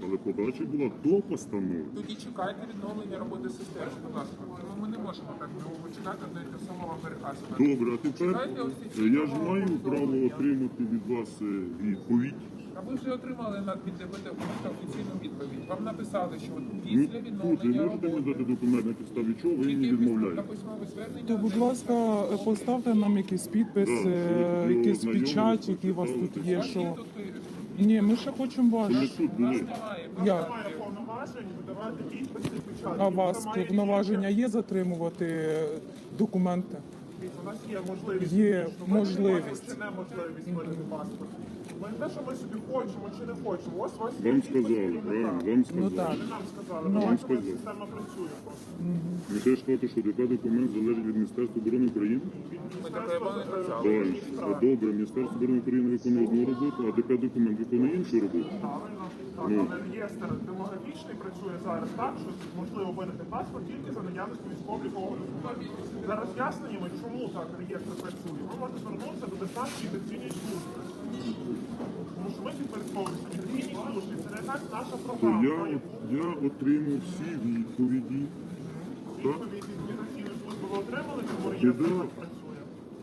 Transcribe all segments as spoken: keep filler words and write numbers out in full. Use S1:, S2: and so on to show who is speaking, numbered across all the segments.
S1: але подача була до постанови.
S2: Тоді чекайте відновлення роботи системи, будь ласка. Тому ми не можемо так довго чекати, до те саме вам переказувати.
S1: Добре, а тепер я ж маю право отримати від вас е, відповідь.
S2: А ви вже отримали на від ДБТ офіційну відповідь. Вам написали, що от
S1: Ну,
S2: після
S1: тут ви
S2: відновлення
S1: можете мені
S2: роботи
S1: дати документ, на підставі чого ви мені
S2: тільки після
S1: відмовляєте?
S2: письмове звернення.
S3: То, будь ласка, поставте нам якийсь підпис,
S1: Да,
S3: е,
S1: що
S3: якийсь
S1: знайомі,
S3: печать, який у вас тут
S1: прочитали.
S3: є.
S2: Ваші
S3: Що...
S2: тут
S3: Ні, ми ще хочемо
S1: Ми
S3: ваш.
S1: тут були.
S2: немає.
S3: Як?
S4: Має повноважень видавати підписи і печатки.
S3: А у вас
S4: Це має
S3: повноваження є затримувати документи?
S4: У нас є можливість.
S3: Є
S4: Ми не
S3: можливість.
S4: маємо чи неможливість видати паспорт. Ми не те, що ми собі хочемо чи не хочемо. Ось у вас є
S1: Вам
S4: підпис
S1: сказали,
S4: керівника.
S1: правильно, вам
S3: Ну
S1: сказали.
S3: так.
S4: Ви нам сказали,
S3: Ну.
S4: ну,
S1: Вам
S4: бачимо,
S1: сказали.
S4: система працює просто.
S1: Ви теж кажете, що ДП документ залежить від Міністерства оборони України?
S2: Ми таке не працювали.
S1: Правильно. А добре, Міністерство оборони України виконує одну роботу, а ДП документ виконує іншу роботу.
S4: Правильно. Так,
S1: Ну.
S4: але реєстр демографічний працює зараз так, що можливо видати паспорт тільки за наявності військово-облікового документу. За роз'ясненнями, чому так реєстр працює, ви можете звернутися до Державної міграційної служби. Тому що ми підпорядковуємося міграційній службі. Це не так наша
S1: То
S4: програма.
S1: я, я отримав всі відповіді. Так?
S4: Відповідь від міграційної служби ви отримали, чому реєстр
S1: Да.
S4: так працює.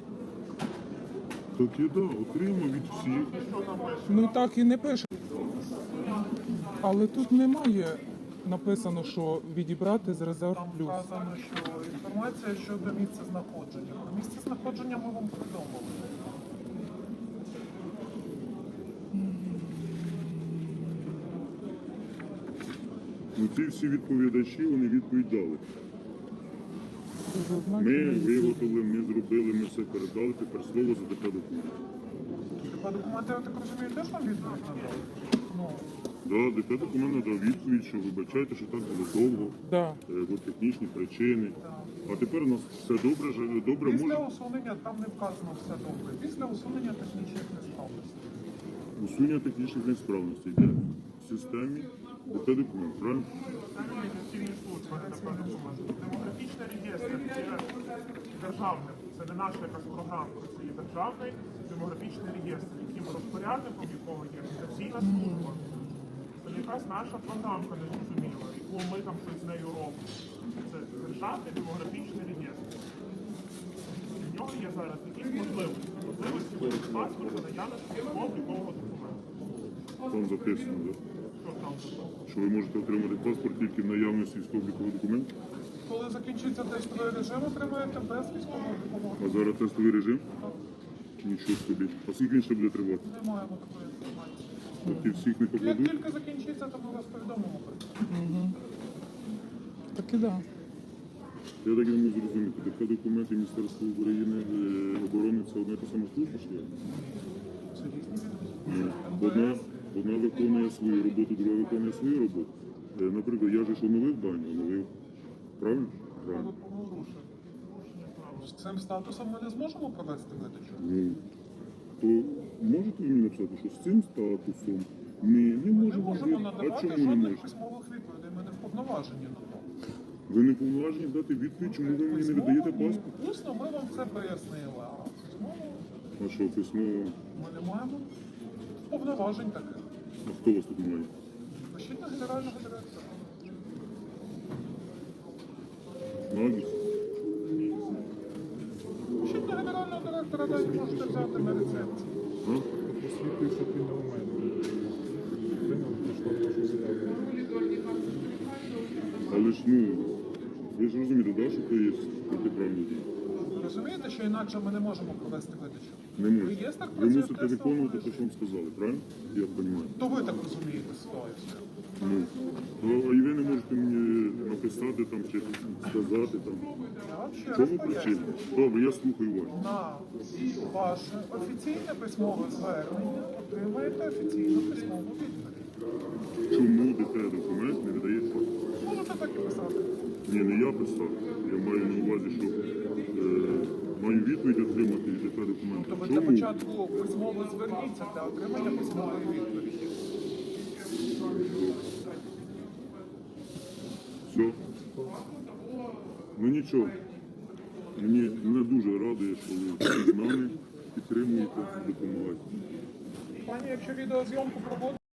S1: Так я да, отримав від всіх.
S4: Що там пише?
S3: Ну так і не пише. Але тут немає написано, що відібрати з резерв
S2: Там
S3: плюс.
S2: вказано, що інформація щодо місця знаходження. Про місце знаходження ми вам повідомили.
S1: Ну, ці всі відповідачі, вони відповідь дали. Ми виготовили, ми зробили, ми все передали, тепер слово за ДП документ.
S2: По документи, я так розумію, теж вам відповідь надали? Ну,
S1: Да, ДП документ надав відповідь, що вибачайте, що так було довго,
S3: Да.
S1: е, бо технічні причини. А тепер у нас все добре, ж- добре
S2: після
S1: може
S2: усунення, там не вказано все добре. Після усунення технічних несправностей.
S1: усунення технічних несправностей йде в системі ДП документ, правильно?
S4: Міграційні служби, не ДП документ. Демографічний реєстр є державним. Це не наша якась програма, це є державний демографічний реєстр, яким розпорядником якого є міграційна служба. Це не якась наша програмка незрозуміла, яку ми там щось з нею робимо. Це державний демографічний реєстр. В нього є зараз якісь можливості. Можливості видати паспорт за наявності військово-облікового документу.
S1: Там записано, да?
S4: Що там записано?
S1: Що ви можете отримати паспорт тільки в наявності військово-облікового документу.
S2: Коли закінчиться тестовий режим, отримаєте без військового допомоги.
S1: А зараз тестовий режим? Нічого собі. А скільки він ще буде тривати?
S2: Не маємо такої інформації.
S1: Так і всіх не
S2: Як
S1: покладуть?
S2: тільки закінчиться, то ми вас повідомимо про це.
S3: Так і да.
S1: Я так і не можу зрозуміти. ДП документи Міністерства України е, оборони це одна і та сама служба, що ли?
S2: Це різні
S1: Ні. Одна, одна виконує свою роботу, друга виконує свою роботу. Е, Наприклад, я же ж оновив дані, оновив. Правильно? Правильно.
S2: З цим статусом ми не зможемо провести видачу.
S1: Ну, то можете ви мені написати, що з цим статусом ми не
S2: Ми не
S1: можемо
S2: можемо
S1: жити? А
S2: надавати
S1: чому не
S2: жодних
S1: можете?
S2: письмових відповідей. Ми не вповноважені на то.
S1: Ви не повноважені дати відповідь, чому ви мені не видаєте паспорт?
S2: Усно ми вам це пояснили, а письмово
S1: А що, письмово?
S2: ми не маємо повноважень таких.
S1: А хто вас тут має?
S2: Пишіть на генерального директора.
S1: Нагість?
S2: Пишіть на генерального директора, далі можете взяти на рецепції.
S1: А?
S5: Освітлює, щоб він не у мене. Прийняв, пішла вашу заяву.
S1: Але ж, ну, ви ж розумієте, да, що це є протиправні дії?
S2: Розумієте, що інакше ми не можемо провести видачу?
S1: Не можете.
S2: Реєстр
S1: Ви
S2: працює
S1: мусите
S2: в тестовому
S1: виконувати те,
S2: режимі.
S1: що вам сказали, правильно? Я розумію.
S2: То ви так розумієте ситуацію.
S1: Ну, то, а і ви не можете мені написати там чи сказати там.
S2: Я вам ще
S1: В
S2: раз
S1: чому
S2: поясню.
S1: причина? Добре, я слухаю вас.
S2: На ваше офіційне письмове звернення отримаєте офіційну письмову відповідь.
S1: Чому ДП документ не видає паспорт?
S2: Можете так і писати.
S1: Ні, не я писав. Я маю на увазі, що е, маю відповідь отримати від ДП документу.
S2: То ви для
S1: Чому?
S2: початку письмово зверніться для отримання письмової відповіді.
S1: Все. Ну нічого. Мені не дуже радує, що ви з нами підтримуєте, допомагаєте.
S2: Пані, якщо відеозйомку проводите,